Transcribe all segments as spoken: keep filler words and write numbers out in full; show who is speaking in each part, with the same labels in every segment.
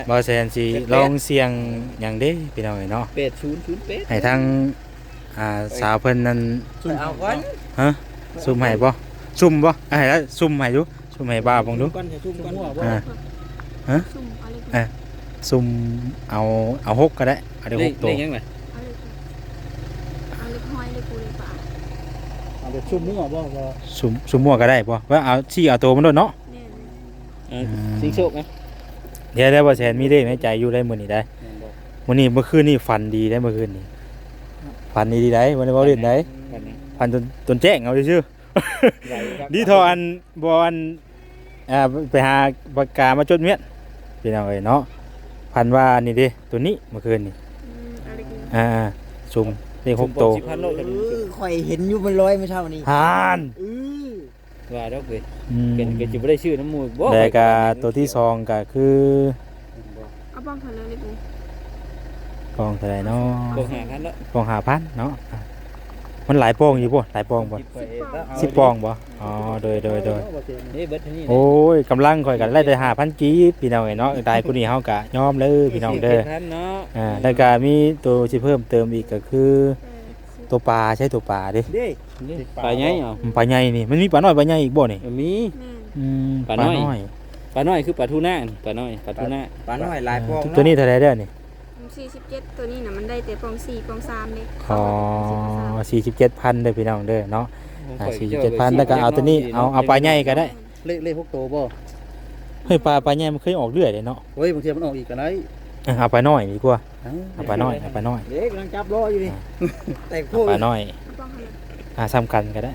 Speaker 1: บ่แซนสิลองเสียงหยังเด้พี่น้องเอ้ยเนาะ
Speaker 2: เป็ดศูนย์ศูนย์เป็ด
Speaker 1: ให้ทางอ่าสาวเพิ่นนั่น
Speaker 2: เอาก่อน
Speaker 1: ฮะซุ่มให้บ่ซุ่มบ่ให้แล้วซุ่มให้ดูซุ่มให้บ้าเบิ่งดู
Speaker 2: ก่อนจะซุ่มก่อนหัวบ่
Speaker 1: อ่าฮะ
Speaker 3: สุ่มเอาเลย
Speaker 1: เอ้ยซุ่มเอาเอาหกก็ได้เอาได้
Speaker 2: เล
Speaker 1: ห
Speaker 2: ข
Speaker 1: กตั
Speaker 2: เล
Speaker 1: ว
Speaker 2: ขยังไง
Speaker 3: เอาเลยเอาเลยห้อยเลยปูเลยป่า
Speaker 2: เอาแบบซุ่มมั่วบ่บ่
Speaker 1: ซุ่มซุ่มมั่วก็ได้บ่ว่าเอาชี้เอาตัวมันโดดเนาะ
Speaker 3: แน่เลย
Speaker 2: เออสิงโชคนะ
Speaker 1: เดี๋ยวได้บ่แซนมีเลขในใจอยู่ได้มื้อนี้ได้มื้อนี้เมื่อคืนนี่ฝันดีได้เมื่อคืนนี้ฝันดีๆได้บ่ได้เว้าเล่นได้ฝันจนจนแจ้งเอาซื่อๆดีเทออันบ่อันอ่าไปหาปากกามาจดเมียนพี่น้องเอ้ยเนาะฝันว่านี่เด้ตัวนี้เมื่อคืนนี่
Speaker 3: อืมเอาเลย
Speaker 1: อ่าซุ่มเลขหกตัว
Speaker 2: สิบพันโลจะ
Speaker 4: เอ
Speaker 2: มี
Speaker 4: อข่อยเห็นอยู่มันลอยเมื่อเช้านี้
Speaker 1: หาน
Speaker 4: เออ
Speaker 2: ว่าดอกเว้ย
Speaker 1: อืม
Speaker 2: เป็นก็สิบ่ได้ชื่อน้ำมูกบ่
Speaker 1: แล้วก็ตัวที่สองก็คือ
Speaker 3: เอาบ้องเถอะเลยเลยปู
Speaker 1: กองเท่าไหร่เนาะ
Speaker 2: บ่หากันแล้ว
Speaker 1: กองห้าพันเนาะอ่ะมันหลายปองอยู่บ่หลายปองบ่สิบปองบ่อ๋อโดยโดยโดย
Speaker 2: นี่เบิดเท่านี้
Speaker 1: โอ้ยกำลังข่อยกันไล่แต่ห้าพันกีบพี่น้องเอ้ยเนาะได้ผู้นี้เฮากะยอมเลยพี่น้องเด้อ
Speaker 2: ท่านเนาะ
Speaker 1: อ่าแล้วก็มีตัวที่เพิ่มเติมอีกก็คือ
Speaker 3: เออสิบ
Speaker 1: ตัวปลาใช่ตัวปลาดิ
Speaker 4: เด้
Speaker 2: นี่ปลาใหญ่เหรอ
Speaker 1: ปลาใหญ่นี่มันมีปลาน้อยปลาใหญ่อีกบ่นี่
Speaker 2: มี
Speaker 3: แม่น
Speaker 1: อืม
Speaker 2: ปลาน้อย ปลาน้อยคือปลาทูน่านี่ปลาน้อยปลาทูน่า
Speaker 4: ปลาน้อยหลายปอง
Speaker 1: ตัวนี้เท่าไหร่เด้อนี่
Speaker 3: สี่สิบเจ็ดตัวนี้น่ะมันได้แต่ปองสี่ปองสามเลย
Speaker 1: อ๋อสี่สิบเจ็ดพันเด้อพี่น้องเด้อเนาะอ่าสี่สิบเจ็ดพันแล้วก็เอาตัวนี้เอาเอาปลาใหญ่ก็ได้
Speaker 2: เลขเลขพวกโตบ่
Speaker 1: เฮ้ยปลาปลาใหญ่มันเคยออกเรื่อยเลยเนาะ
Speaker 2: เฮ้ยบางทีมันออกอีกก็ได้
Speaker 1: เออเอาปลาน้อยดีกว่าเอาปลาน้อยเอาปลาน้อย
Speaker 4: เด็กกำลังจับล้ออยู่นี่แต่โค
Speaker 1: เอา
Speaker 4: ต
Speaker 1: ปลาร น้อย
Speaker 3: เอาบ้องเถอะเลย
Speaker 1: อ่าซ้ำกันก็ได้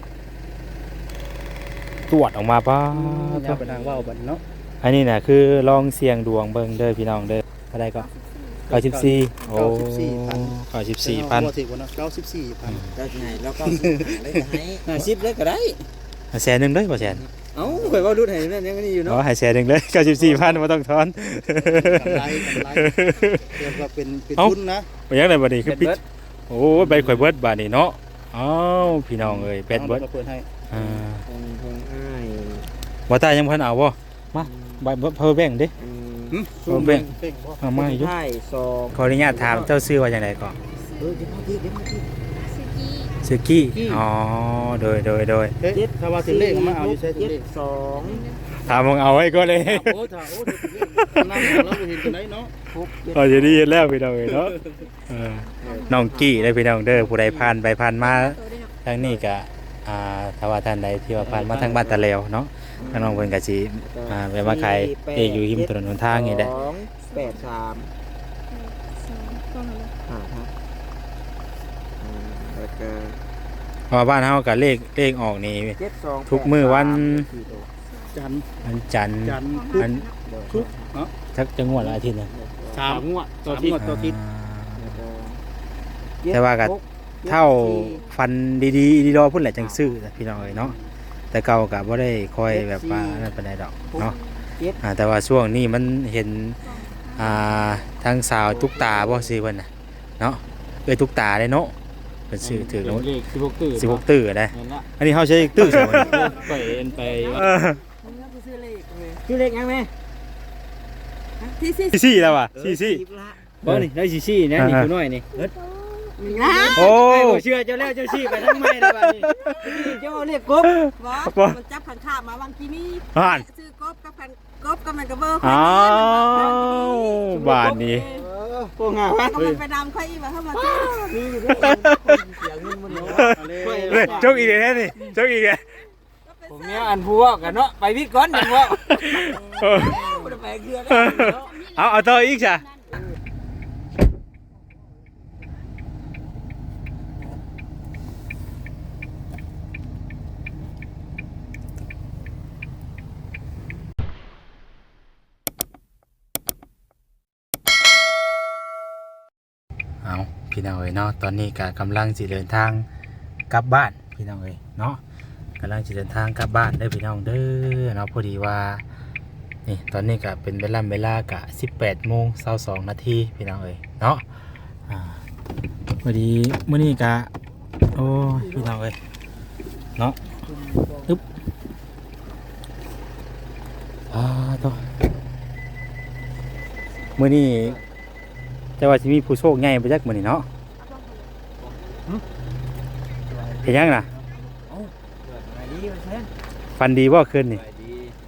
Speaker 1: ตรวจออกมาป้า
Speaker 2: อย่าไปทางว่าวบัดเนาะ
Speaker 1: อันนี้น่ะคือลองเสี่ยงดวงเบิ่งเด้อพี่น้องเด้ออะไรก็เก้าสิบสี่โอ้เก้าสิบสี่พัน
Speaker 2: บ่สิกว่าเนาะเก้าสิบสี่พัน
Speaker 4: เจ้าที่ไหนแล้วก็สิบหาเลยจะให้
Speaker 2: ห้าสิบเลยก็ได้
Speaker 1: แสนหนึ่งเลยบ่แสน
Speaker 2: เอ้าข่อยว่ารุ่นให้นั่นยังนี่อยู่
Speaker 1: อ๋อ
Speaker 2: เนาะ
Speaker 1: ให้แสนหนึ่งเลยเก้าสิบสี่พันบ่ต้องทอน
Speaker 2: กำไรกำไรเรียกว่าเป็นเป็น
Speaker 1: เอ้า
Speaker 2: ทุนนะ
Speaker 1: บ่ยังไดบัดนี้คือปิด
Speaker 2: เบิด
Speaker 1: โอ้ใบข่อยเบิดบาดนี้เนาะอ้าวพี่น้องเอ้ยเป็ดเบิด
Speaker 2: อามาเปิดให้
Speaker 1: อ่า
Speaker 4: ทงทงอ้าย
Speaker 1: บ่ตายยังบ่ทันเอาบ่มาใบเพิ่นแบ่งดิ
Speaker 4: อืม
Speaker 2: หึ
Speaker 1: เอาแบ่ง
Speaker 2: เบ่งบ่
Speaker 1: เอามาอยู่
Speaker 4: ไพ่สอง
Speaker 1: ขออนุญาตถามเจ้าชื่อว่าจังไดก่อน
Speaker 4: เออเดี๋ยวมาที่เดี๋ยวมาที่
Speaker 3: ซื้อกี้
Speaker 1: ชื่อกี้อ๋อโดยโดยโดย
Speaker 2: เอ๊ะถ้าว่าถึงเลขมาเอาอยู่ใช้ถึง
Speaker 4: เจ็ด
Speaker 2: เลข
Speaker 4: สอง
Speaker 1: ถามมึงเอาไว้ก็เลย
Speaker 2: โอ้ถ้าโอ้ถึงเลขนั่งแล้วบ่เห็นกันไหนเนาะ
Speaker 4: หกเจ็ด
Speaker 1: เอาจะได้ยินแล้วพี่น้องเอ้ยเนาะเออน้องกี้ได้พี่น้องเด้อผู้ใดผ่านไปผ่านมา
Speaker 3: ตัวได้เนาะ
Speaker 1: ทางนี้ก็อ่าถ้าว่าท่านใดที่ว่าผ่านมาทางบ้านตะเลวเนาะทางน้องเพิ่นก็สิอ่าไปมาขายเองอยู่ริมถนนหนทางนี่แหละ
Speaker 4: สองแปดสาม
Speaker 3: สองบ้องเถอะเลย
Speaker 4: อ่าครับอืมแล้วก็
Speaker 1: เพราะว่าบ้านเฮาก็เลขเลขออกนี่
Speaker 4: เจ็ดสอง
Speaker 1: ทุกมื้อวัน
Speaker 2: จันทร์
Speaker 1: วันจันทร์
Speaker 2: จันทร์
Speaker 1: อัน
Speaker 2: ทุกเนาะ
Speaker 1: สักจังหวัดละอาทิตย์หนึง
Speaker 2: สามงวดต่อทิศต่อทิศ
Speaker 1: แต่ว่าก็เท่าฟันดีๆดีรอพุ่นแหละจังซื้อพี่น้องเอ้ยเนาะแต่เก่าก็บ่ได้คอยแบบว่านั่นปานใดดอกเนาะอ่าแต่ว่าช่วงนี้มันเห็นอ่าทางสาวตุ๊กตาบ่ซื้อเพิ่นน่ะเนาะเอ้ยตุ๊กตาได้เนาะเพิ่นซื้อถือแล้ว
Speaker 2: เลขสิบหกตื้อ
Speaker 1: สิบหกตื้อได้
Speaker 2: นั่นละ
Speaker 1: อันนี้เฮาใช้ตื้อใช่บ่นี่
Speaker 2: ไปเอ็นไปว่า
Speaker 1: เออ
Speaker 4: ชื่อเลขชื่อเลขยังไหม
Speaker 3: ที่สี่
Speaker 1: ซี่ซี่แล้วว่ะซี่ซี่
Speaker 4: สิบละ
Speaker 2: บ่นี่ได้ซี่ๆนะนี่กูน้อยนี่
Speaker 3: นะ
Speaker 1: โอ้
Speaker 2: ไอ้บ่เชื่อเจ้าแล้วเจ้าซี่ไปทั้งไม้แล้วบัดนี้
Speaker 4: เจ้าเลขกบ
Speaker 3: บอกมันจับขันขามาวังกีนี่
Speaker 1: อ่าน
Speaker 3: ซื้อกบกับขันกบกับมันกระเบอร์
Speaker 1: อ้าวบ้านนี้
Speaker 4: เออ
Speaker 2: โป้งา
Speaker 3: ก็
Speaker 2: เฮ้
Speaker 3: มั
Speaker 2: ย
Speaker 3: นไปนำค่อยอีกมาเข้ามาซื้อ
Speaker 4: นี่อยู่ด้วยกันเสียเงินมันเนาะ
Speaker 1: เฮ้ยจกอีกแล้วนี่จกอีกแล้ว
Speaker 2: ผมเนี่ยอันผู้ว่ากันเนาะไปวิทย์ก่อนจังว่า
Speaker 1: เออ
Speaker 4: บ่ได้ไปเกลือ
Speaker 1: เอาเอาต่ออีกจ้ะเอาพี่น้องเอ้ยเนาะตอนนี้ก็กำลังสิเดินทางกลับบ้านพี่น้องเอ้ยเนาะกำลังสิเดินทางกลับบ้านเด้อพี่น้องเด้อเนาะพอดีว่านี่ตอนนี้ก็เป็นเวลาเวลากะสิบแปดโมงเศร้าสองนาทีพี่น้องเอ้ยเนาะอ่าพอดีมื้อนี้กะโอ้ยพี่น้องเอ้ยเนาะอึ๊บอ่าตัวมื้อนี้แต่ว่าสิมีผู้โชคใหญ่ไปจักมื้อนี้เนาะ
Speaker 3: เอาบ้องเขาเลย
Speaker 1: เฮ็ดหยังน่ะ
Speaker 4: ไปดีมาเช่น
Speaker 1: ฟันดีบ่คืนนี่
Speaker 2: ไปดี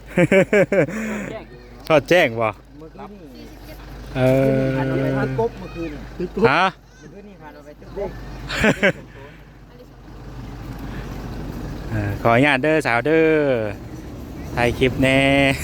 Speaker 1: ชอดแจ้งบ่
Speaker 4: เมื่อกี้นี่
Speaker 1: เออ
Speaker 4: ผ่านไปตึกกบเมื่อคืนนี่
Speaker 1: ฮะ
Speaker 4: เมื่อคืนนี่ผ่านไปตึกกบ
Speaker 1: เออขออนุญาตเด้อสาวเด้อถ่ายคลิปแน่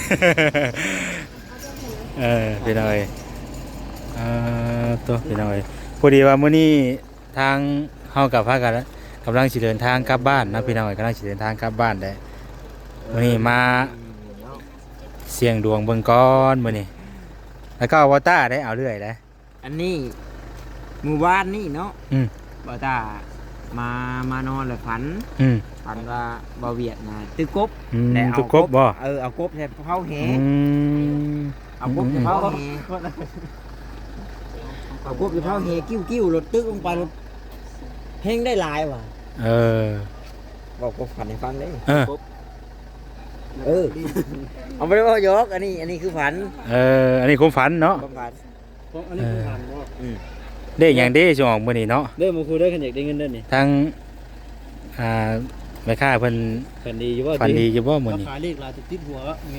Speaker 1: เออพี่น้อยเอ่อตัวพี่น้อยพอดีว่ามื้อนี้ทางเฮากับพากันกำลังสิเดินทางกลับบ้านนะพี่น้อยกำลังสิเดินทางกลับบ้านได้มื้อนี้มาเสี่ยงดวงเบิ่งก่อนมื้อนี้แล้วก็อวตารได้เอาเรื่อยได้
Speaker 4: อันนี้หมู่บ้านนี่เนาะ
Speaker 1: อืม
Speaker 4: บ่ตามามานอนเลยฝัน
Speaker 1: อืม
Speaker 4: ฝันว่าบ่เวียดนะตึกกบ
Speaker 1: อืม
Speaker 4: แต่เอา
Speaker 1: ทุกครบบ่
Speaker 4: เออเอากบใส่เผาแห
Speaker 1: อืม
Speaker 4: เอากบใส่เผาแหเอากบใส่เผาแหกิ้วกิ้วรถตึกลงไปรถเฮงได้หลายว่ะ
Speaker 1: เออ
Speaker 4: บอกกบฝันให้ฟังได้
Speaker 1: เออ
Speaker 4: เออเอาไม่ได้ว่ายกอันนี้อันนี้คือฝัน
Speaker 1: เอออันนี้ความฝันเนาะ
Speaker 4: ความฝัน
Speaker 2: อันนี้คือผ่านบ่
Speaker 4: อืม
Speaker 1: เด้หยังเด้สิออกมื้อนี้เนาะ
Speaker 2: เด้อมาคุยได้คันอยากได้เงินเด้อนี่
Speaker 1: ทั้งอ่าแม่ค้าเพิ่น
Speaker 2: คันดีอยู่บ่
Speaker 1: ฝันดีอยู่บ่มื้อนี้
Speaker 2: ขายเลขลายติดหัวไง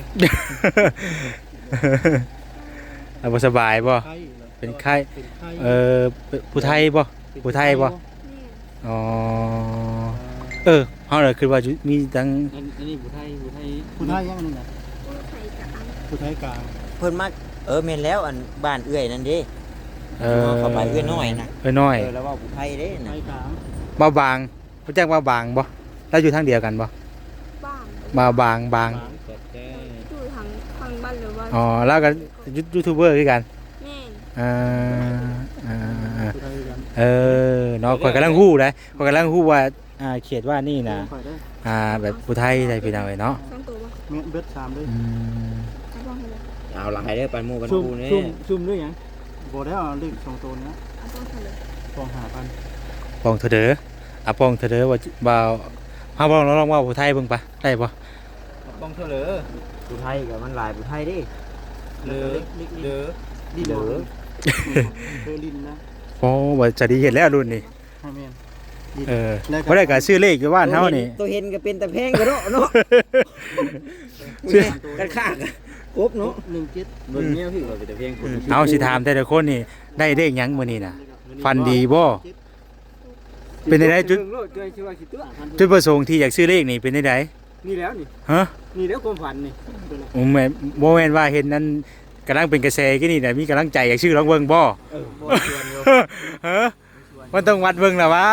Speaker 1: เอาบ่สบายบ่
Speaker 2: ไข่
Speaker 1: เป็นไข้
Speaker 2: เป็นไข่
Speaker 1: เอ่อผู้ไทยบ่ ผู้ไทยบ่
Speaker 3: แม่
Speaker 1: อ๋อเออเฮาเลยคิดว่าจุมีทั้ง
Speaker 2: อันอันนี้ผู้ไทยผู้ไทยผู้ไทยยังนี่นะ
Speaker 3: ผู้ไทยกับอัง
Speaker 2: ผู้ไทยกลาง
Speaker 4: เพิ่นมาเออแม่นแล้วอันบ้านเอื้อยนั่นเด้
Speaker 1: เออ
Speaker 4: เข้าไปเอื้อยน้อยนะ
Speaker 1: เอ้ยน้อย
Speaker 4: เออแล้วว่าผู้ไทยเด้
Speaker 2: ไท
Speaker 4: นะ
Speaker 2: ยกลาง
Speaker 1: บ่าวบางรู้จักบ่าวบางบ่เราอยู่ทางเดียวกันบ่
Speaker 3: บ้าง
Speaker 1: บ่าวบางบาง
Speaker 2: กลางกดแก้
Speaker 3: อยู่ทางทางบ้านหรือว่า
Speaker 1: อ๋อแล้วก็ยูยูทูบเบอร์คือกัน
Speaker 3: แม่
Speaker 1: อ่าอ่าอ่า
Speaker 2: ผู้ไทยกัน
Speaker 1: เออเนาะข่อยกำลังฮู้เลยข่อยกำลังฮู้ว่าอ่าเขตว่านี่น่ะ
Speaker 2: ข่อยได้
Speaker 1: อ่าแบบผู้ไทยได้พี่น้องเอ้ยเนาะ
Speaker 3: สองตัวบ่
Speaker 2: เม็ดเบ็ดสามด้วย
Speaker 1: อืม
Speaker 3: เอาบ้องเขาเลย
Speaker 4: เอาหลายเด้อปันหมู่ปัน
Speaker 2: ซุ่ม
Speaker 4: ปูนี่
Speaker 2: ซุ่มซุ่มด้วยหยังบ่ได้เอาเลขสองตัวเนี้ย
Speaker 3: เอาบ้องเขาเลย
Speaker 2: สองห้าพัน
Speaker 1: ปองเถอะเด้ออ่ะปองเถอะเด้อว่าบ่าวเฮาบ่ลองลองว่าผู้ไทยเบิ่งปะได้บ่
Speaker 4: บ้องเท่าเหลือผู้ไทยกับมันหลายผู้ไทยเด้
Speaker 2: เหลือเหลือดิน
Speaker 4: เหลือ
Speaker 2: เหลือลินนะ
Speaker 1: โอ้ว่าจะดีเห็นแล้วรุ่นนี้
Speaker 2: ให้แม่น
Speaker 1: เออบ่ได้ก็ชื่อเลขอยู่บ้านเฮานี่
Speaker 4: ตัวเห็นก็เป็นตะแพงก็เนาะเนาะ
Speaker 1: ชื่อ
Speaker 4: กันข้างกบเนาะ
Speaker 2: หนึ่งเจ็ด
Speaker 4: เบิ่งแนวพี่ว่าเป็นตะแพงคน
Speaker 1: เอาสิถามแต่ละคนนี่ได้เลขหยังมื้อนี้น่ะ ฟันดีบ่ เป็นได้จุด
Speaker 2: โลดด้วยชื่อว่าสิตัว
Speaker 1: จุดประสงค์ที่อยากซื้อเลขนี่เป็นได้ได
Speaker 2: นี่แล้วนี่
Speaker 1: ฮะ
Speaker 2: นี่แล้วความฝันนี่
Speaker 1: ผมแม่นบ่แม่นว่าเห็นนั้นกำลังเป็นกระแสกี่นี่น่ะมีกำลังใจอยากซื้อลองเบิ่งบ่
Speaker 4: เออบ่ชวนอยู่
Speaker 1: ฮะมันต้องวัดเบิ่งล่ะวะ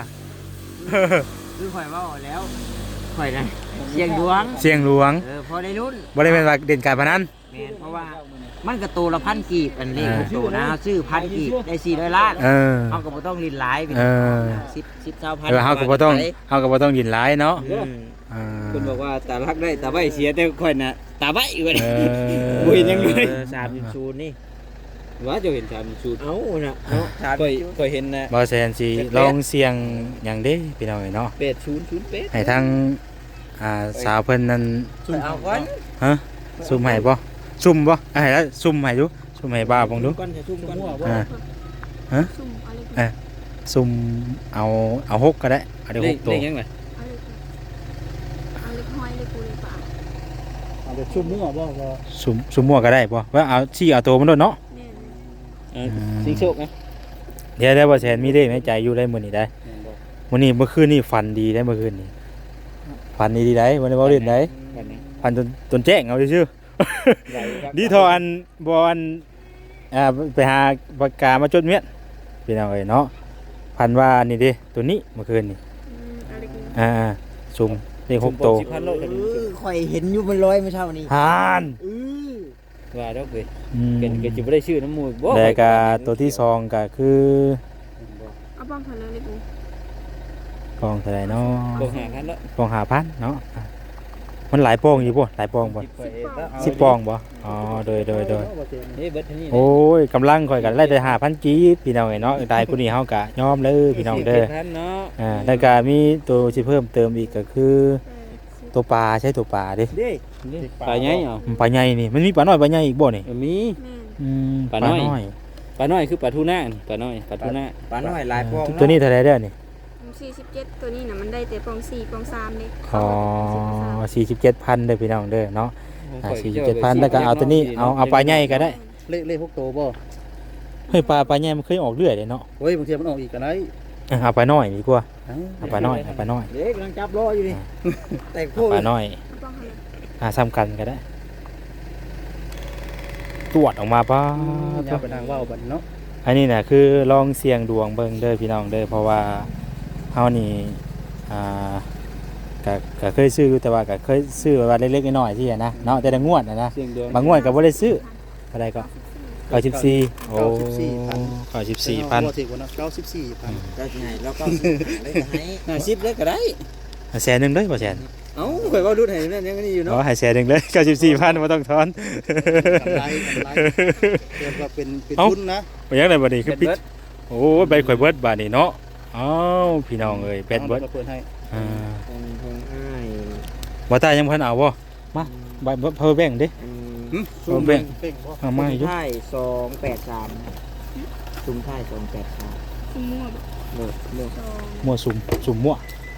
Speaker 4: คือข่อยเว้าแล้วข่อยนะเสียงดวง
Speaker 1: เสียงหลวง
Speaker 4: เออพอได้รุ่น
Speaker 1: บ่ได้แม่นว่าเด่นการพนัน
Speaker 4: แม่นเพราะว่ามันก็ตัวละพันกีบอันเลข
Speaker 1: อ่า
Speaker 4: ของตัวนะซื้อพันกีบได้สี่ร้อยล้าน
Speaker 1: เออ
Speaker 4: เฮาก็บ่ต้องลินหลายไป
Speaker 1: เออ
Speaker 4: สิบสิบเท่าพัน
Speaker 1: เออเฮาก็บ่ต้องเฮาก็บ่ต้องยินหลายเนาะ
Speaker 4: อืม
Speaker 1: อ่า
Speaker 2: คุณบอกว่าตาลักได้ตาใบเสียแต่ค่อยน่ะตาใบอยู่เลย
Speaker 1: เออ
Speaker 2: บ่เห็นหยังเลย
Speaker 4: เออสามจุดศูนย์นี่
Speaker 2: ว่าจะเห็นชามสูตร
Speaker 4: เอ้าน่ะเนาะสาม
Speaker 2: ค่อย
Speaker 4: จุด
Speaker 2: ค่อยเห็นนะ
Speaker 1: บ่แซนสิลองเสียงหยังเด้พี่น้องเอ้ยเนาะ
Speaker 2: แปดศูนย์ศูนย์แปด
Speaker 1: ให้ทางอ่าสาวเพิ่นนั้น
Speaker 4: ไปเอาก่อน
Speaker 1: ฮะซุ่มให้บ่ซุ่มบ่อ่ะให้แล้วซุ่มให้ดูซุ่มให้บ้าเบิ่งดู
Speaker 2: ก่อนจะซุ่มก่อน
Speaker 1: อ่า
Speaker 3: ซุ่มเอาเล็ก
Speaker 1: เอ๊ะ ซุ่มเอาเอาหกก็ได้เอาได้
Speaker 2: เล
Speaker 1: ห
Speaker 2: ข
Speaker 1: กตั
Speaker 2: เล
Speaker 1: ว
Speaker 2: ขยังไง
Speaker 3: เอาเล็กเอาเล็กห้อยเล็กปูเล็กปลา
Speaker 2: เอาไปซุ่มมั่วบ่บ่
Speaker 1: ซุ่มซุ่มมั่วก็ได้บ่ว่าเอาชี้เอาตัวมันโดนเนาะ
Speaker 3: แม่น
Speaker 2: เออสิงโชคไง
Speaker 1: เดี๋ยวได้บ่แซนมีเลขในใจอยู่ได้มื้อนี้ได้มื้อนี้เมื่อคืนนี่ฝันดีได้เมื่อคืนนี่ฝันดีดีได้บ่ได้เว้าเล่นได้
Speaker 2: กันนี้
Speaker 1: ฝันจนจนแจ้งเอาซื่อๆ ดีเทออันบออันอ่าไปหาปากกามาจดเมียนพี่น้องเอ้ยเนาะพันว่านี่ดิตัวนี้เมื่อคืนนี่
Speaker 3: อืมเอาเล็ก
Speaker 1: อ่าซุ่มเลขหกโตว
Speaker 2: สิบพันโลกัน
Speaker 4: เออข่อยเห็นอยู่มันลอยเมื่อเช้านี้
Speaker 1: ฮาน
Speaker 2: เออว่าดอกเว้ย
Speaker 1: อืม
Speaker 2: เป็นก็สิบ่ได้ชื่อน้ำมูกบ่
Speaker 1: แล้วก็ตัวที่สองก็คือ
Speaker 3: เอาบ้องเขาเลยเล็กปู
Speaker 1: กองเท่าไหร่เนาะ
Speaker 2: บ่หาพันแล้ว
Speaker 1: กองหาพันเนาะอ่ะมันหลายปองอยู่บ่หลายปองบ่สิบปองบ่อ๋อโดยโดยโดย
Speaker 2: เฮ้ยเบิดเท่านี้
Speaker 1: โอ้ยกำลังข่อยกันไล่แต่หาพันกีบพี่น้องเอ้ยเนาะได้ผู้นี้เฮากะยอมเลยพี่น้องเด้อ
Speaker 2: พันเนาะ
Speaker 1: อ่าแล้วก็มีตัวที่เพิ่มเติมอีกก็คือ
Speaker 3: แปดสิบ
Speaker 1: ตัวปลาใช่ตัวปลาดิ
Speaker 4: เด้
Speaker 2: ปลาใหญ่เหรอ
Speaker 1: ปลาใหญ่นี่มันมีปลาน้อยปลาใหญ่อีกบ่นี่
Speaker 2: เออมี
Speaker 3: แม่น
Speaker 1: อืม
Speaker 2: ปลาน้อย ปลาน้อยคือปลาทูน่านี่ปลาน้อยปลาทูน่า
Speaker 4: ปลาน้อยหลายปอง
Speaker 1: ตัวนี้เท่าไหร่เด้อนี่
Speaker 3: สี่สิบเจ็ดตัวนี้น่ะมันได้แต่ปองสี่ปองสามเด้
Speaker 1: ขอสี่สิบเจ็ดพันเด้อพี่น้องเด้อเนาะอ่าสี่สิบเจ็ดพันแล้วก็เอาตัวนี้เอาเอาปลาใหญ่ก็ได้
Speaker 5: เลขเลขพวกโตบ่
Speaker 1: เฮ้ยปลาปลาใหญ่มันเคยออกเรื่อยเลยเนาะ
Speaker 5: เฮ้ยบางทีมันออกอีกก็ได้
Speaker 1: อ่ะเอาปลาน้อยดีกว่าเอาปลาน้อยเอาปลาน้อย
Speaker 4: เด็กกำลังจับรออยู่นี่แต่
Speaker 1: เอา
Speaker 4: คู่
Speaker 1: ปลาน้อย
Speaker 3: ปองอะไร
Speaker 1: หาซ้ำกันก็ได้ตรวจออกมาป้า
Speaker 5: อย่าไปทางว่าวบัดเนาะ
Speaker 1: อันนี้น่ะคือลองเสี่ยงดวงเบิ่งเด้อพี่น้องเด้อเพราะว่าเฮานี่อ่าก็ก็เคยซื้ออยู่แต่ว่าก็เคยซื้อว่าเล็กๆน้อยๆที่อะนะเนาะแต่ละงวดน่ะนะ
Speaker 2: เสียงดวง
Speaker 1: บางงวดก็บ่ได้ซื้ออะไรก็เก้าสิบสี่โอ้
Speaker 5: เก้าสิบสี่พัน
Speaker 1: เก้าสิบสี่พัน
Speaker 5: บ่ถึงกว่าเนาะเก้าสิบสี่พัน
Speaker 4: ได้ที่ไหนแล้วก็ได้ให้
Speaker 2: ห้าสิบเลยก็ได้
Speaker 1: แสนหนึงเด้อบ่แสน
Speaker 2: เอ้าข่อยเว้าดูดให้แม่นยังนี่อยู่
Speaker 1: อ๋อ
Speaker 2: เนาะ
Speaker 1: ให้แสนหนึงเลยเก้าสิบสี่พันบ่ต้องทอน
Speaker 5: กำไรกำไรเรียกว่าเป็นเป็น
Speaker 1: เอ้า
Speaker 5: ทุนนะ
Speaker 1: บ่ยังได้บัดนี้คือปิด
Speaker 2: เบิด
Speaker 1: โอ้ยใบข่อยเบิดบาดนี้เนาะอ้าวพี่น้องเอ้ยเป็ดเบิด
Speaker 5: อาราเปิดให้
Speaker 1: อ่า
Speaker 4: ของของอ้าย
Speaker 1: บ่ตายยังบ่ทันเอาบ่มาใบเพิ่นแบ่งดิ
Speaker 4: อืม
Speaker 5: หึ
Speaker 1: เอาแบ่ง
Speaker 5: เป่งบ่
Speaker 1: เอามาอยู่
Speaker 4: ซุ้มท้ายสองแปดสามซุ้มท้ายสองแปดสาม
Speaker 3: สิมั่วบ่
Speaker 4: เลิกเลิก
Speaker 3: สอง
Speaker 1: มั่วสุมสุมมั่ว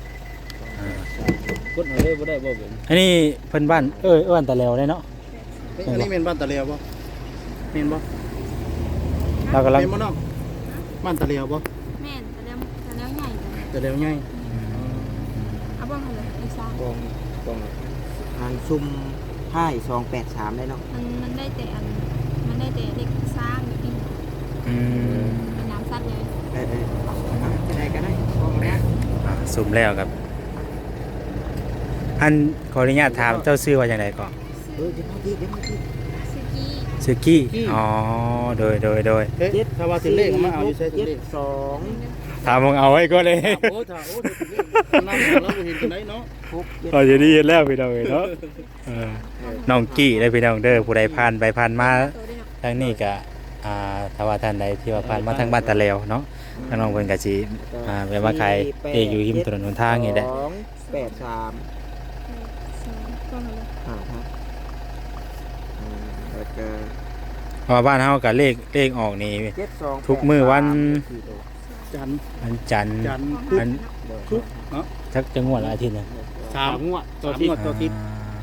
Speaker 2: กดเอาเลยบ่ได้บ่เป็น
Speaker 1: อันนี้เพิ่นบ้านเอ้ยเอิ้นตะแล้วได้เนาะ
Speaker 5: เฮ้ยอันนี้เป็นบ้านตะเลียวบ่แม่นบ่
Speaker 1: เรากำลัง
Speaker 5: แม่นบ่น้องบ้านตะเลียวบ่
Speaker 3: แม่นแต่แล้วแต่แล้วใหญ่แต่
Speaker 5: ตะเลียวใหญ่
Speaker 3: เอาปองอะไรอีกสาม
Speaker 4: กองกองอันซุ้มท้ายสองแปดสามได้เนาะ
Speaker 3: มันมันได้แต่อันมันได้แต่เด็กสร้างอยู่ที่
Speaker 1: อืม
Speaker 3: เป็นน้ำซัดเลย
Speaker 4: เออเอออ่ะจะได้ก็ได้กองเนี้ย
Speaker 1: อ่าสุมแล้วครับ อันขออนุญาตถามเจ้าชื่อว่าจังไดก่อน
Speaker 4: เออจะมาที่จะมาที่
Speaker 3: สกี้
Speaker 1: ชื่อกี้อ๋อโดยโดยโดย
Speaker 5: เฮ้ยถ้าว่าถึงเลขมาเอาอยู่ใช้ถึง
Speaker 4: เจ็ด
Speaker 5: เลข
Speaker 4: สอง
Speaker 1: ถามมึงเอาไว้ก็เลย
Speaker 5: โอ้ถ้าโอ้ถึงเลขนั่งแล้วบ่เห็นจังไดเนาะ
Speaker 4: หกเจ็ด
Speaker 1: เราจะได้ยินแล้วพี่น้องเอ้ยเนาะเออน้องกี้ได้พี่น้องเด้อผู้ใดผ่านไปผ่านมา
Speaker 3: โตได้เนาะ
Speaker 1: ทางนี้ก็อ่าถ้าว่าท่านใดที่ว่าผ่านมาทางบ้านตะแล้วเนาะทางน้องเพิ่นก็สิอ่าแวะมาขายเองอยู่ริมถนนหนทางนี่แหละ
Speaker 4: สองแปดสาม
Speaker 3: สองปองอะไร
Speaker 4: อ่าครับอืมแล้วก็
Speaker 1: เพราะว่าบ้านเฮาก็เลขเลขออกนี่
Speaker 4: เจ็ดสอง
Speaker 1: ทุกมื้อวัน
Speaker 5: จันทร์
Speaker 1: วันจันทร์
Speaker 5: จันทร์
Speaker 3: ปอง
Speaker 1: อัน
Speaker 5: ทุกเนาะ
Speaker 1: สักจะงวดละอาทิตย์หนึง
Speaker 5: สาม
Speaker 2: งวด
Speaker 5: ต่อทิศต่อทิศ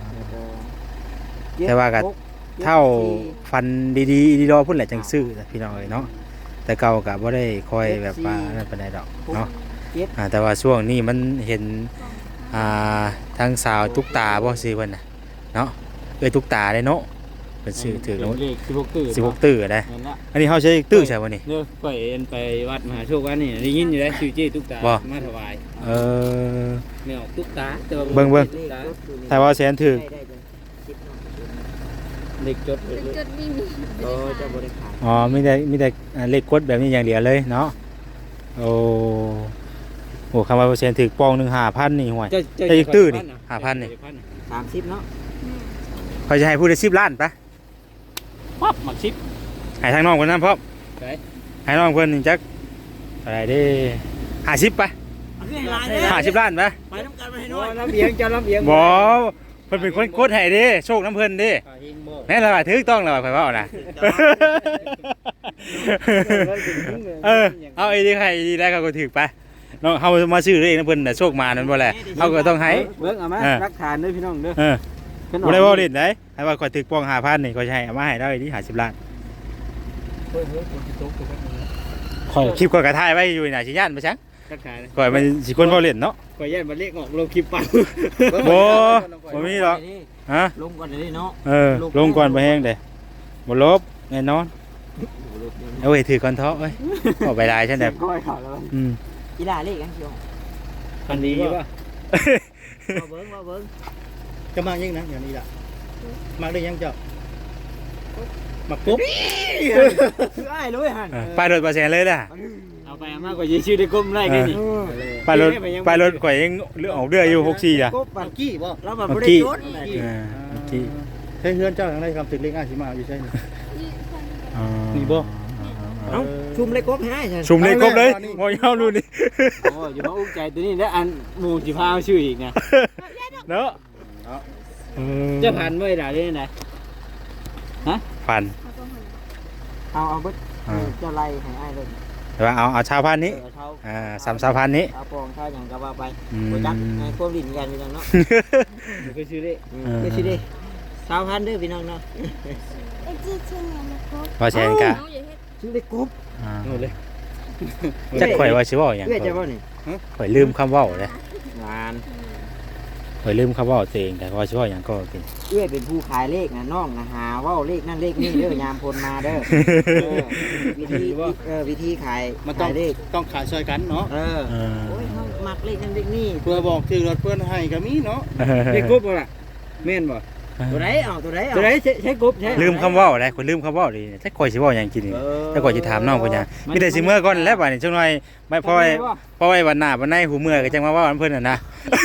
Speaker 1: แต่ว่าก็เท่าฟันดีๆดีรอพุ่นแหละจังซื้อพี่น้องเอ้ยเนาะแต่เก่าก็บ่ได้คอยแบบว่านั่นปานใดดอกเนาะอ่าแต่ว่าช่วงนี้มันเห็นอ่าทางสาวตุ๊กตาบ่ซื้อเพิ่นน่ะเนาะเอ้ยตุ๊กตาได้เนาะเพิ่นซื้อถือแล้ว
Speaker 2: เลขสิบหกตื้อ
Speaker 1: สิบหกตื้อได้
Speaker 2: นั่นละ
Speaker 1: อันนี้เฮาใช้ตื้อใช่บ่นี่
Speaker 2: เด้อข่อยเอ็นไปวัดมหาโชควันนี่ได้ยินอยู่แล้วชื่อเจ้ตุ๊กตา
Speaker 1: บ่
Speaker 2: มาถวาย
Speaker 1: เออ
Speaker 2: แนวตุ๊กตาแต่ว่า
Speaker 1: เบิ่งเบิ่ง
Speaker 2: ตุ๊กตา
Speaker 1: ถ้าว่าแสนถือ
Speaker 4: ได้ได้ได้คิดเนาะ
Speaker 2: เด็กจด
Speaker 3: เด็กจดไม่มี
Speaker 4: เออเจะบริขาร
Speaker 1: อ๋อมีแต่มีแต่อ่าเลขกดแบบนี้อย่างเดียวเลยเนาะโอ้โหคำว่าเปอร์เซ็นต์ถือปองหนึ่งห้าพันนี่ห่วย
Speaker 2: เจ้าเจ้า
Speaker 1: เจ้าอีกตื้อนี่ห้าพันนี่
Speaker 4: สามสิบเนาะ
Speaker 1: เขาจะให้พูดได้สิบล้านปะ
Speaker 2: ปั๊บหมักชิป
Speaker 1: ให้ทางน้องคนนั้นพร้อม
Speaker 2: ไป
Speaker 1: ให้น้องเพื่อนนี่จักอะไรเด้ห้าสิบปะห้าสิบล้านปะ
Speaker 4: ไปน้ำกันไปให้
Speaker 2: โอ้
Speaker 4: น้อย
Speaker 2: ลำเอียงเจ้าลำเอียง
Speaker 1: บอเพิ่นเป็นคนกดให้เด้โชคน้ำเพิ่นเด้
Speaker 2: ขาเฮงบ่
Speaker 1: แม่นและว่าถูกต้องและว่าข่อยเว้านะเออเอาไอ้นี่ให้ดีแล้วเขาก็ถูกไปน้องเฮามาซื้อเองนะเพิ่นน่ะโชคมานั่นบ่แหละเฮาก็ต้องให้
Speaker 2: เบิ่งเอามา
Speaker 1: เออ
Speaker 2: รักฐานเด้อพี่น้องเด้อ
Speaker 1: เออ
Speaker 2: เพิ่น
Speaker 1: บ่ได้เว้าเล่นได้ให้ว่าข่อยถูกปองห้าพันนี่ข่อยสิให้เอามาให้ได้ที่ห้าสิบล้าน
Speaker 2: เฮ้ยเฮ้ยคนที่ตกตัวนั้นนะ
Speaker 1: ข่อยคลิปข่อยก็ถ่ายไว้อยู่น่ะสิย่านไปซัง
Speaker 2: รักฐาน
Speaker 1: ข่อยมันสิคนเว้าเล่นเนาะ
Speaker 2: ข่อยย่านบ่เลขออกลงคลิปปัง
Speaker 1: บ่บ่มีหรอกฮะ
Speaker 4: ลงก่อนเลยเนาะ
Speaker 1: เออลงก่อนบ่แห้งเด้บ่ลบแน่นอนเอาไว้ถือก่อนเถาะเอ้ยเอาไปได้ฉันแบบ
Speaker 2: ก้อยเขาแล้ว
Speaker 1: อืม
Speaker 4: กีฬาเล็กกันเชียว
Speaker 2: อันนี้ป่ะ
Speaker 4: มาเบิ้งมาเบิ้ง
Speaker 5: จะมายังนะอย่างนี้ล่ะมาได้ยังเจ้ามาปุ๊บ
Speaker 4: คืออ้ายเลยหัน
Speaker 1: เออไปรถบ่แซงเลยล่ะ
Speaker 2: เอาไปเอามากกว่ายี่ชื่อได้ก้มได้แค่นี้
Speaker 1: ไปรถไปรถข่อยยังเรือออกเรืออยู่หกสี่อ่ะ
Speaker 4: กบ
Speaker 5: ปั
Speaker 4: ปั
Speaker 5: น
Speaker 4: น
Speaker 5: กี้บ่
Speaker 4: แล้วมันไม่ได้ยศ
Speaker 1: เออเมื่อกี้
Speaker 5: ใช้เฮือนเจ้าทางใดครับถึงเลขอาสิมาอยู่ใช่ไหม
Speaker 1: อ๋อ
Speaker 5: นี่บ่
Speaker 4: เอ้าชุมเล็กกบให้ฉัน
Speaker 1: ชุมเลยครบเลยมอยาวรุ่นนี้
Speaker 2: โอ้ยมาอุ้งใจตัวนี้แล้วอันหมูสิพาชื่ออีกนะ
Speaker 1: เนาะเออ
Speaker 2: จะผ่านเมื่อไหร่ได้ไหน
Speaker 1: ผ่าน
Speaker 3: เอาปองอะไร
Speaker 4: เอาเอาเบิด
Speaker 1: อ่า
Speaker 4: เจ้าไล่ให้อ้ายเลย
Speaker 1: แต่ว่าเอาเอาชาวพันธุ์นี้
Speaker 4: เออเท่า
Speaker 1: อ่าสามชาวพันธุ์นี้
Speaker 4: เอาปองเท่าอย่างก็ว่าไป
Speaker 1: อืม
Speaker 4: บ่จักให้ความดินกันพี่น้องเนาะ
Speaker 2: ก็ชื่อได้
Speaker 4: อืม
Speaker 1: เออ
Speaker 4: คือสิเด้สาวพันธุ์เด้อพี่น้องเนาะ
Speaker 1: ว่าแชนกะ
Speaker 3: น้องอย่าเฮ็ด
Speaker 4: ชื่อได้กบ
Speaker 1: อ่า
Speaker 2: หมดเลย
Speaker 1: จักข่อยว่าสิเว้าหยัง
Speaker 4: เอื้อจะบ่นี่
Speaker 1: ข่อยลืมคำเว้าเลย
Speaker 4: หวาน
Speaker 1: ข่อยลืมคำเว้าตัวเองแต่ว่าสิเว้าหยังก็กิน
Speaker 4: เอื้อเป็นผู้ขายเลขนะน้องนะหาเว้าเลขนั่นเลขนี่เด้อยามพลมาเด้อเออวิธีเออวิธีขาย
Speaker 5: มันต้อง
Speaker 4: ขายเลข
Speaker 5: ต้องขายช่วยกันเนาะ
Speaker 4: เออ
Speaker 1: เออ
Speaker 4: โอ้ยเฮามักเลขนั่นเลขนี่
Speaker 5: เพื่อบอกชื่อรถเพื่อนให้ก็มีเนาะ
Speaker 2: เด็กกบบ่ล่ะแม่นบ่
Speaker 4: ตัวไหนเอาตัวไหนเอา
Speaker 2: ตัวไหนใช้ใช้กบใช้
Speaker 1: ลืมคำเว้าเลยข่อยลืมคำเว้าดิจักข่อยสิเว้าหยังกินนี่
Speaker 4: เออ
Speaker 1: จักข่อยสิถามน้องเพิ่นหยังมีแต่สิเมื่อก่อนแล้วบัดนี้จังหน่อยไม่พอไว้พอไว้วันหน้าวันในหูเมื่อก็จังมาเว้าอันเพิ่นน่ะนะ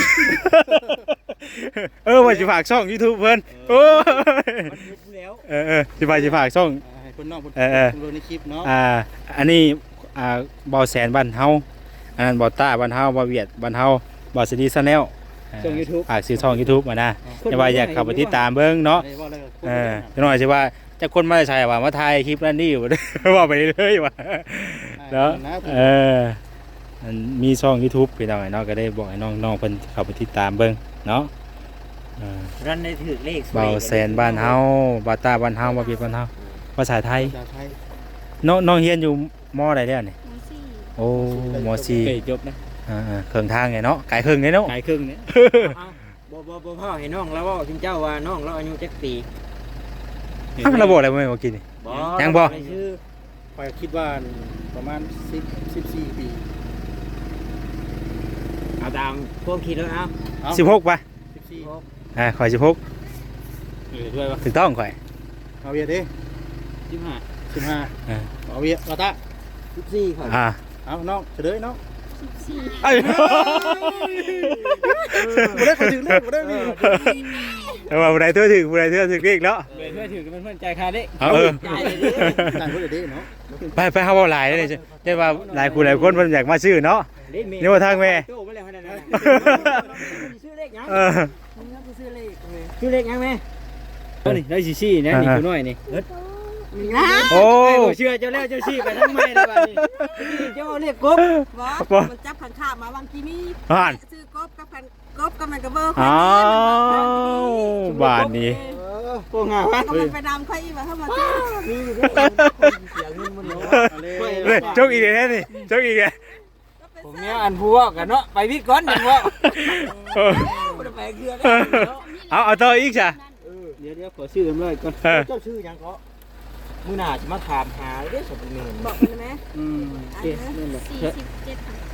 Speaker 1: เออว่าสิฝากช่อง YouTube เพิ่นโอ้ย
Speaker 4: มันเฮ็ดอยู่แล้ว
Speaker 1: เออเออสิฝากสิฝากช่อง
Speaker 5: ให้คนนอกคน
Speaker 1: เออเออ
Speaker 5: ดูในคลิปเนาะ
Speaker 1: อ่าอันนี้อ่าเบาแสนบ้านเฮาอันนั้นเบาต้าบ้านเฮาเบาเวียดบ้านเฮาเบาสดีชาแนล
Speaker 2: ช่อง YouTube
Speaker 1: ฝากซื้อช่อง YouTube มานะอย่าว่าอยากเข้าไปติดตามเบิ่งเนาะ
Speaker 5: ได้ว่าเลย
Speaker 1: เออจังหน่อยสิว่าจะคนมาใช่ว่ามาถ่ายคลิปนั่นนี่อยู่ ว่าไปเรื่อยๆว่าเนาะเอออันมีช่อง YouTube พี่น้องเนาะก็ได้บอกให้น้องๆเพิ่นเข้าไปติดตามเบิ่งเนาะเออ
Speaker 4: รันได้ถือเลขสวย
Speaker 1: เบาแสนบ้านเฮาบาต้าบ้านเฮาบ่เวียดบ้านเฮาภาษาไทย
Speaker 5: ภาษาไทย
Speaker 1: น้องน้องเรียนอยู่มอใดเด้อนี่
Speaker 3: น้องสี่
Speaker 1: โอ้มอซี
Speaker 2: เฮ้ยจบนะ
Speaker 1: อ่าๆเครื่องทางไงเนาะไกลเครื่องไงเนาะ
Speaker 2: ขายครึ่งเนี่ย
Speaker 4: เอาบ่บ่บ่พ่อให้น้องแล้วเว่าถึงเจ้าว่าน้องเราอายุจักปี
Speaker 1: อ้าวระบบอะไรบ่แม่นบ่กินนี่
Speaker 4: บ่
Speaker 1: ยังบ่
Speaker 4: ไปชื่อ
Speaker 5: ไปคิดว่าประมาณสิบ สิบสี่ปี
Speaker 4: เอาตามพวกคิดแล้วเอา
Speaker 5: เอ้า
Speaker 1: สิบหกป่ะ
Speaker 5: สิบสี่
Speaker 1: อ่าข่อยสิบหก
Speaker 2: เออด้วยป่ะ
Speaker 1: ถูกต้องข่อย
Speaker 5: เอาเวียดดิ
Speaker 2: ยี่สิบห้า
Speaker 5: สิบห้า
Speaker 1: อ่า
Speaker 5: เอาเวียดเอาตะ
Speaker 4: สิบสี่ครับ
Speaker 1: อ่า
Speaker 5: เอาน้องเฉลยน้อง
Speaker 3: สิบสี่
Speaker 1: เอ้ย
Speaker 5: บ่ได้ขอถึงเลขบ่ได้นี่
Speaker 1: เอาว่าผู้ใดตัวถึงผู้ใดตัวถึงเรียกเนาะ
Speaker 2: เบรเพื่อถือกันเพื่อนใจคาเด้
Speaker 1: เอาเออ
Speaker 4: จ่ายเลยดิ
Speaker 5: ต่างคนเดียวดิเนาะ
Speaker 1: ไปไปเฮาเว้าหลายเลยใช่ว่าหลายคู่หลายคนเพิ่นอยากมาซื้อเนาะ นี่ว่าทางแม่
Speaker 4: โจ้ไปแล้วขนาดนั้นน่ะชื่อเลขยัง
Speaker 1: เออ
Speaker 4: มึงก็ซื้อเลขเลยชื่อเลขยังแม่
Speaker 2: นี่ได้ชี้ชี้นะนี่กูน้อยนี่
Speaker 3: นะ
Speaker 1: โอ้
Speaker 2: เชื่อเจ้าแล้วเจ้าชี้ไปทั้งไม่เลยบ้านี้
Speaker 4: เจ้าเลขกบ
Speaker 3: บ่มันจับขันข้ามาบางทีมี
Speaker 1: อ่าน
Speaker 3: ซื้อกบกับขันกบกับมันกับเบอร์
Speaker 1: อ้าวบาทนี้
Speaker 4: พวกงาวะ
Speaker 3: ก็มันไปนำค่อยอีกว่าเข้ามาซื้อ
Speaker 4: นี่เสียเงินมันเนาะ
Speaker 1: เฮ้ยจกอีกแล้วนี่จกอีกแล้ว
Speaker 2: ผมเนี่ยอันพูว่ากันเนาะไปวิทย์ก่อนยังว่า
Speaker 1: เออ
Speaker 4: บ่ได้ไปเกลือ
Speaker 1: เอาเอาต่ออีกจ้ะ
Speaker 2: เดี๋ยวเดี๋ยวขอชื่อกันเลยก่อน
Speaker 1: เออ
Speaker 4: เจ้าชื่อยังก็มื้อหน้าจะมาถามหาเด้อสมบูรณ์
Speaker 3: บอกมันไหม
Speaker 2: อืม
Speaker 3: อั
Speaker 2: โอน เคนั่นแหละ
Speaker 3: สี่สิบเจ็ดค่ะ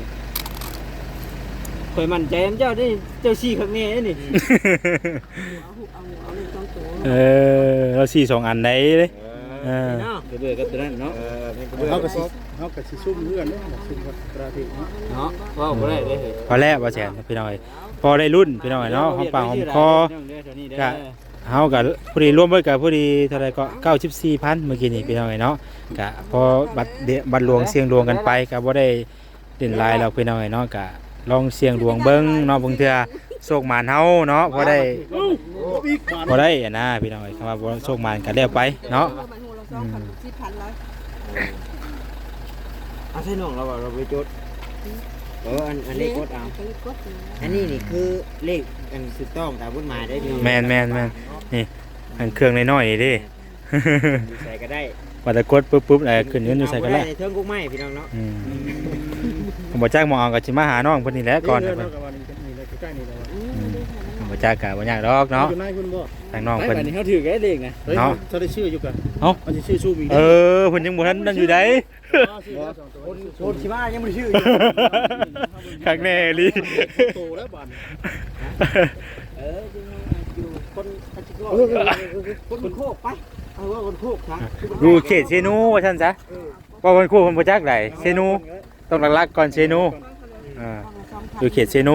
Speaker 2: คอยมั่นใจเจ้าได้เจ้าชี้ข้างนี้นี่
Speaker 3: เอาหุบเอาเอาเลยต้องตัว
Speaker 1: เออเราสี่สองอันไหนเลยเออ
Speaker 4: เนาะ
Speaker 2: กระเบือกับตัวนั้นเนาะ
Speaker 4: เออเป็นกระ
Speaker 5: เฮา
Speaker 4: เบื้อง
Speaker 5: ก็สิเฮาก็สิซุ่มเพื่อนเด้อซุ่มกับกระทิเนาะ
Speaker 2: เนาะว่าบ่ได้เลย
Speaker 1: พอแล้วบ่แสนพี่น้อยพอได้รุ่นพี่น้อยเนาะหอมปากหอมคอ เฮากับผู้ดีร่วมเบิดกับผู้ดีเท่าไรก็เก้าสิบสี่พันเมื่อกี้นี่พี่น้องไงเนาะกะพอบัตรเดบัตรหลวงเสียงหลวงกันไปก็บ่ได้เด่นหลายเราพี่น้องไงเนาะกะลองเสียงหลวงเบิ่งเนาะบางเทื่อโชคหมานเฮาเนาะพอได้พอได้อะนะพี่น้องไอ้คำว่าบ่โชคหมานก็แล้วไปเนาะ
Speaker 3: มันหูเราสองพันสิบพันร้อย
Speaker 4: เอาใช่น้องเราว่าเราไปจดเอออันอันเลขกดเอา
Speaker 3: ก็เลยกด
Speaker 4: อันนี้นี่คือเลขอันถูกต้องตามกฎหมายได้ดี
Speaker 1: แม่นแม่นแม่นนี่อันเครื่องน้อยๆนี่เด้
Speaker 4: อยู่ใส่ก็ได้
Speaker 1: ว่าแต่กดปุ๊บปุ๊บแล้วขึ้นเงินอยู่ใส่ก็ได้
Speaker 4: เอาบ่เทิงกุ้งไม้พี่น้องเนาะ
Speaker 1: อืมผมบ่จักหมองเอาก็สิมาหาน้องเพิ่นนี่แหละก่อน
Speaker 5: เด้
Speaker 1: นะ
Speaker 5: อ
Speaker 1: เพิ่น
Speaker 5: เนาะกับว่านี่นี่เลยใกล้ๆนี่เลย
Speaker 1: ผมบ่จักก็บ่ยากดอกเนาะ
Speaker 5: อยู่นายคุณบ่
Speaker 1: ทางน้อง
Speaker 2: ไป
Speaker 1: เพิ่น
Speaker 2: บัดนี้เขาถือแค่เลขนะ
Speaker 5: เฮ้ย
Speaker 1: เนาะ
Speaker 5: เขาได้ชื่ออยู่กัน
Speaker 1: เอ้า
Speaker 5: มันสิชื่อชูมี
Speaker 1: เออเพิ่นยังบ่ทันนั่นอยู่ได
Speaker 4: คนคนชิมายังไม่ได้ชื่ออยู่
Speaker 1: ข้างแน่ลี
Speaker 5: โตแล้วบาน
Speaker 4: เออจริงๆอยู่คนคัจิโก้คนโคกไปเอาว่าคนโคกครับ
Speaker 1: อยู่เขตเซนูว่าซั่นซะว่าเพิ่นคู่เพิ่นบ่จักไดเซนูต้องหลักๆก่อนเซนูอ่าอยู่เขตเซนู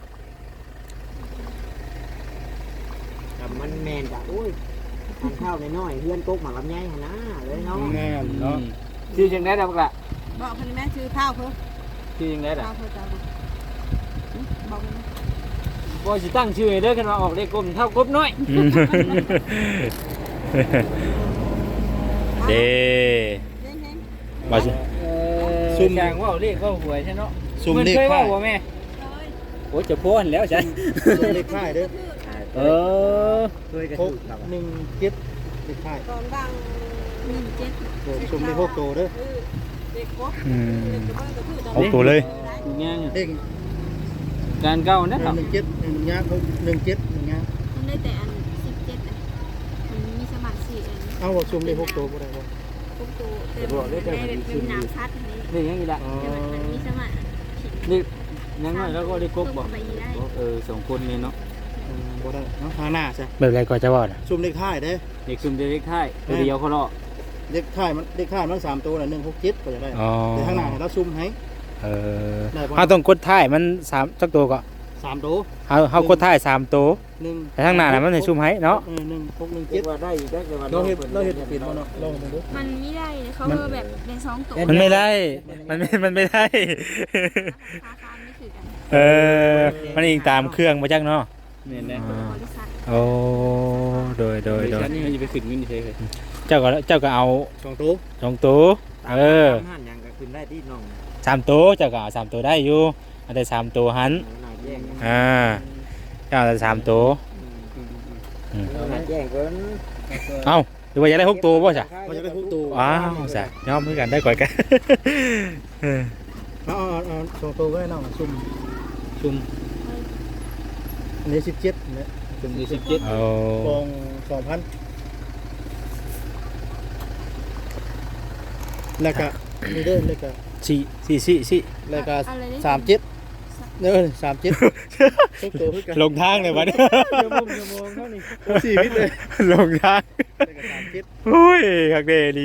Speaker 4: แต่มันแมนจ้ะโอ้ยทานข้าวน้อยๆเพื่อนก๊กหมาลำไยหนนะเลยเนาะ
Speaker 5: แน่นเนาะ
Speaker 2: ชื่อจังได้ดอกละ
Speaker 3: บอกคนแม่ชื่อข้าวเพิ่ม
Speaker 2: ชื่อจังได้ดอ
Speaker 3: ข้าก วเพิ่มจ้าบอกมัน
Speaker 2: บ่สิตั้งชื่อให้เด้อคันว่าออกเลขกลมเท่ากบน้อย
Speaker 1: อืมเด้มาสิ
Speaker 2: เออซุ่มจางว่าเลขว่าหวยใช่เนาะ
Speaker 5: ซุ่มเลข
Speaker 2: เคย
Speaker 5: ค่า
Speaker 2: ว่าย บ่แม่โอ้จะโพนแล้วฉัน
Speaker 5: ซุ่มเลขค่ายเด้อ
Speaker 2: เออ
Speaker 4: เคยกระ
Speaker 5: ห
Speaker 4: ถู
Speaker 5: ก
Speaker 4: กครับ
Speaker 5: หนึ่งเจ็ดเลขค่าย
Speaker 3: กองดังหนึ่งเจ็ด
Speaker 5: โอ้ซุ่มเลขหกตัวเด้อ
Speaker 1: อืมหกตัวเลย
Speaker 2: อยู่ย่าง
Speaker 5: เลข
Speaker 2: การเก้านะครับ
Speaker 5: หนึ่งเจ็ดหนึ่งยางหนึ่งเจ็ดหนึ่งยาง
Speaker 3: มันได้แต่อันสิบเจ็ดอันมันมีสมัครสี่อัน
Speaker 5: เอาว่าซุ่มเลขหกตัวบ่ได้บ่
Speaker 3: พวกตัวแต่บอกได้แบบเป็นน้ำชัดนี่
Speaker 2: เลขยังอีกละ
Speaker 3: แต่มันมีสมัคร
Speaker 2: เลขยังน้อยแล้วก็ได้กบบอก
Speaker 3: ไปได้
Speaker 2: เออสองคนนี่เนาะ
Speaker 5: อืมบ่ได้เนาะทางหน้าซะ
Speaker 1: แบบไรก็จะว่าน่ะ
Speaker 5: ซุ่มเลขท้ายเด้อ
Speaker 2: เด็กซุ่มเลขท้ายตัวเดียวเขาเลาะ
Speaker 5: เลขท้ายมันเลขท้ายมันสามตัวน่ะหนึ่งหกเจ็ดก็จะได้
Speaker 1: อ๋อ
Speaker 5: แต่ทางหน้าให้เราซุ่มให้
Speaker 1: เออ
Speaker 5: ได้บ่
Speaker 1: เฮาต้องกดท้ายมันสามจักตัวก็
Speaker 5: สามตัว
Speaker 1: เฮาเฮากดท้ายสามตัว
Speaker 5: หนึ่ง
Speaker 1: แต่ข้างหน้าน่ะมันให้ซุ่มให้เนาะ
Speaker 5: เออหนึ่งหกหนึ่ง
Speaker 4: คิ
Speaker 5: เจ็
Speaker 4: ด
Speaker 5: ด
Speaker 4: ว่าได้อีกได้แต่ว่า
Speaker 5: เราเห็ดเราเห็ดเป็นบ่เนาะลองดู
Speaker 3: มันไม่ได้เขาเออแบบเป็นสองตัว
Speaker 1: มันไม่ได้มันไม่มันไม่ได้
Speaker 3: ราคาไม่ถือกัน
Speaker 1: เออมันอิงตามเครื่องมาจักเนาะ
Speaker 2: เนี่ยนะ
Speaker 1: อ่า
Speaker 3: บริษัท
Speaker 1: โอ้โดยโดยโดย
Speaker 2: ฉันนี่มันจะไปขึ้นเงินเฉยเลย
Speaker 1: เจ้าก็เจ้าก็เอา
Speaker 5: สองตัว
Speaker 1: สองตัวเออ
Speaker 4: หันยังก็ขึ้นได้ที่น้อง
Speaker 1: สามตัวเจ้าก็เอาสามตัวได้อยู่เอาแต่สามตัวหัน
Speaker 4: หน้าแจ้ง
Speaker 1: อ่าเจ้าเอาแต่สามตัว
Speaker 4: หน้าแจ้งเกิน
Speaker 1: เอ้าหรือว่าอยากได้หกตัวป่ะจ๊ะ
Speaker 5: เขาจะได้หกตัว
Speaker 1: ว้าวจ้ะยอมเหมือนกันได้ก่อยกัน เออ
Speaker 5: เอาเอาเอาสองตัวก็ได้น้องซุ่ม
Speaker 2: ซุ่ม
Speaker 5: อันนี้สิบเจ็ดเนี่ย
Speaker 2: ซุ่มสิบเจ็ด
Speaker 1: เอา
Speaker 5: กองสองพันแล้วก็นี่เด้อแล้วก็
Speaker 1: สี่สี่สี่สี่
Speaker 5: แล้วก็
Speaker 3: อะไรได้
Speaker 5: สามเจ็ดเด้อสามเจ็ดหกตัวคือกัน
Speaker 1: ลงทางเลยวันนี้
Speaker 5: ชั่วโมงชั่วโมงเท่านี้โอ้สี่วิตเลย
Speaker 1: ลงทาง
Speaker 5: แล้วก็สามเจ็ด
Speaker 1: โอ้ยคักเดดี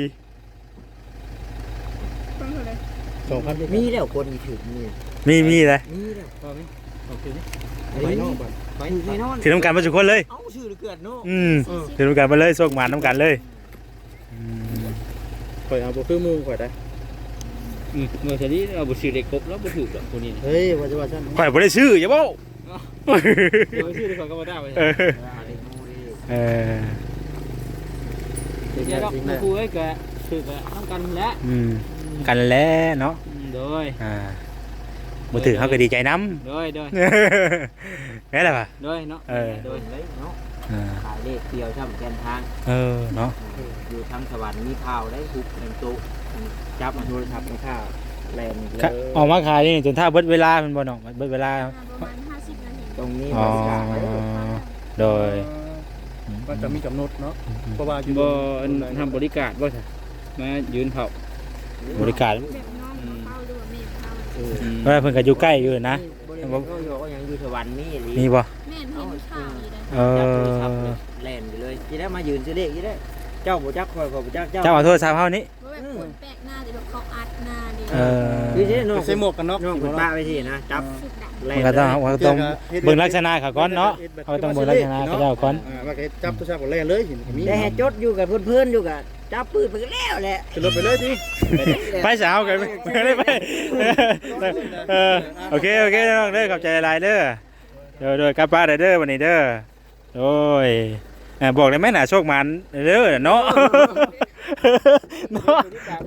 Speaker 3: ต้องเท่าไหร่
Speaker 5: สองพัน
Speaker 4: มีแล้วคนมีถึงนี่
Speaker 1: มีมีเลย
Speaker 4: มีแล้ว
Speaker 5: พอไหมโอเคนี่
Speaker 4: ไป
Speaker 5: ไป
Speaker 4: น
Speaker 5: น
Speaker 4: อ
Speaker 5: อก ก
Speaker 4: บ้า
Speaker 5: บ้าน น
Speaker 4: ไปแน่นอน
Speaker 1: ถือน้ำกันมาทุกคนเลย
Speaker 4: เอ้าชื่อเกิดเนาะ
Speaker 1: อืมถือน้ำกันมาเลยโชคหมานน้ำกันเลยอืม
Speaker 5: ข่อยเอาบ่คือมือข่อยได้
Speaker 2: อืมเมื่อทีนี้เอาบุษรีเล็กครบแล้วบุถือกับคนนี้
Speaker 5: เฮ้ยว่าจะว่าซั่น
Speaker 1: ข่อยบ่ได้ชื่ออย่าบอก
Speaker 2: เดี๋ยวชื่อที่เขาก็มาได้ไป
Speaker 1: เออเออ
Speaker 2: เดี๋ยวเราคุยกับถือกับต้องกันแล้ว
Speaker 1: อืมกันแล้วเนาะ
Speaker 2: โดย
Speaker 1: อ่าบ่ถือเขาก็ดีใจน้
Speaker 2: โดยโดย
Speaker 1: ำแม่นล่ะป่ะ
Speaker 2: โดยเนาะ
Speaker 1: เออ
Speaker 2: โดย
Speaker 4: เลยเนาะ
Speaker 1: อ่า
Speaker 4: ขายเลขเดียวช่ำแกนทาง
Speaker 1: เออเนาะ
Speaker 4: อยู่ทางสวรรค์มีข่าวได้ทุกหนึ่งตุจับมาโทรศัพท์มาข่าวแลน
Speaker 1: ค่ะออกมาขายนี่จนถ้าเบิดเวลามันบ่เนาะเบิดเวลา
Speaker 3: ประมาณห้าสิบนาที
Speaker 4: ตรงนี้
Speaker 1: อ๋อบ
Speaker 4: ริการไว้
Speaker 1: โดย
Speaker 5: มันจะมีกำหนดเนาะเพราะว่าอยู่
Speaker 2: บ่ทำบริการบ่ใช่มายืนเผา
Speaker 1: บริการ
Speaker 3: แบบน้องเข้าด้วยแม่เข้า
Speaker 4: เออ
Speaker 1: เวลาเพิ่นก็อยู่ใกล้อยู่นะ
Speaker 4: บริการก็อยู่ก็ยังอยู่สวรรค์นี่หรือ
Speaker 1: มีบ่
Speaker 3: แม่เห็นข่าวอยู่เลย
Speaker 1: เอ
Speaker 4: จับโทรศัพท์
Speaker 1: อ
Speaker 4: แลนไปเลยจะได้มายืนซื้อเลขจะได้เจ้าบ่จักคอยบ่จักเจ้า
Speaker 1: เจ้าเอาโทรศัพท์เฮานี่
Speaker 3: ว่าแบบคนแปลกหน้าแต่แบบเขาอัดหน้าดิ
Speaker 1: เออ
Speaker 4: คือจะได้น้อง
Speaker 5: ใส่หมวกกันน็อก
Speaker 4: น้องคุณป้าไปที่นะจับ
Speaker 3: สุดดัง
Speaker 4: แล
Speaker 1: มัน นก็ต้องมันก็ต้องเบิ่งลักษณะเขาก่อนเนาะเขาต้องเบิ่งลักษณะเขาเจ้าก่อน
Speaker 5: อ่าว่าก็จับตัวชาติก็แล่เลยเห็นมี
Speaker 4: ได้ให้จดอยู่กับเพื่อนๆอยู่กับจับปืนไปก็แล้วแหละ
Speaker 5: ขึ้นรถไปเลยดิ
Speaker 1: ไปสาวกันไม่ได้ไปเออโอเคโอเคน้องเด้อขอบใจหลายเด้อเด้อเด้อกลับบ้านเด้อวันนี้เด้อโอ้ยบอกได้ไหมน่ะโชคมันเด้อเนาะเนาะ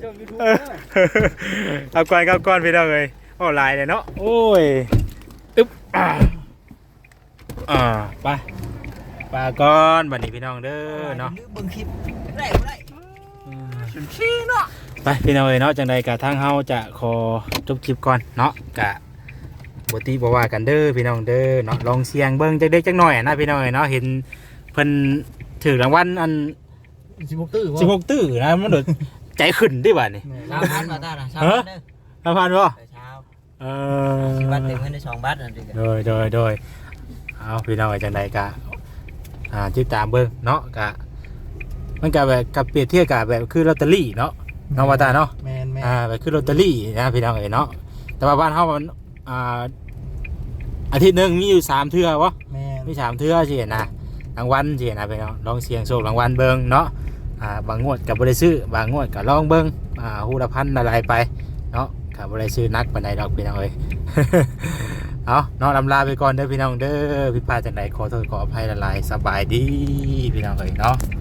Speaker 1: เอาก่อนเอาก่อนพี่น้องเอ้ยโอ้ลายเลยเนาะโอ้ยอึ๊บอ่าอ่าไปไปก่อนวันนี้พี่น้องเด้อเนาะ
Speaker 4: เบิ่งคลิปได้บ่ได้สุนชี้เนาะ
Speaker 1: ไปพี่น้องเอ้ยเนาะจังใดกะทางเฮาจะขอจบคลิปก่อนเนาะกะบ่ติบ่ว่ากันเด้อพี่น้องเด้อเนาะลองเสียงเบิ่งจักเด็กจักหน่อยนะพี่น้องเอ้ยเนาะเห็นเพิ่นถูกรางวัลอัน
Speaker 5: สิบหกตื้อ
Speaker 1: สิบหกตื้อนะมันโดดใจขึ้นดิบัดนี้
Speaker 4: สามพันมาตาน่ะสามพันเด้อ
Speaker 1: สามพันบ่
Speaker 4: เช้า
Speaker 1: เอ
Speaker 4: สิ
Speaker 1: อ
Speaker 4: บัตรเต็มเงินได้สองบาทนั่นสิ
Speaker 1: โดยโดยโดยเอาพี่น้องเอ้ยจังใดกะอ่าติดตามเบิ่งเนาะกะมันก็แบบกับเปรียบเทียบกับแบบคือลอตเตอรี่เนาะน้องว่าตาเนาะ
Speaker 5: แมนแมน
Speaker 1: อ่าไปขึ้นลอตเตอรี่นะพี่น้องเอ๋ยเนาะแต่ว่าบ้านเฮามันอ่าอาทิตย์หนึงมีอยู่สามเทื่อวะ
Speaker 5: แมน
Speaker 1: มีสามเทื่อสินะรางวัลสินะพี่น้องลองเสี่ยงโชครางวัลเบิ่งเนาะอ่าบางงวดก็บ่ได้ซื้อบางงวดก็ลองเบิ่งอ่าฮู้ละพันอะไรไปเนาะก็บ่ได้ซื้อนักปานใดดอกพี่น้องเอ้ย เอาเนาะลำลาไปก่อนเด้อพี่น้องเด้อผิดพลาดจังใดขอโทษขออภัยหลายๆสบายดีพี่น้องเอ้ยเนาะ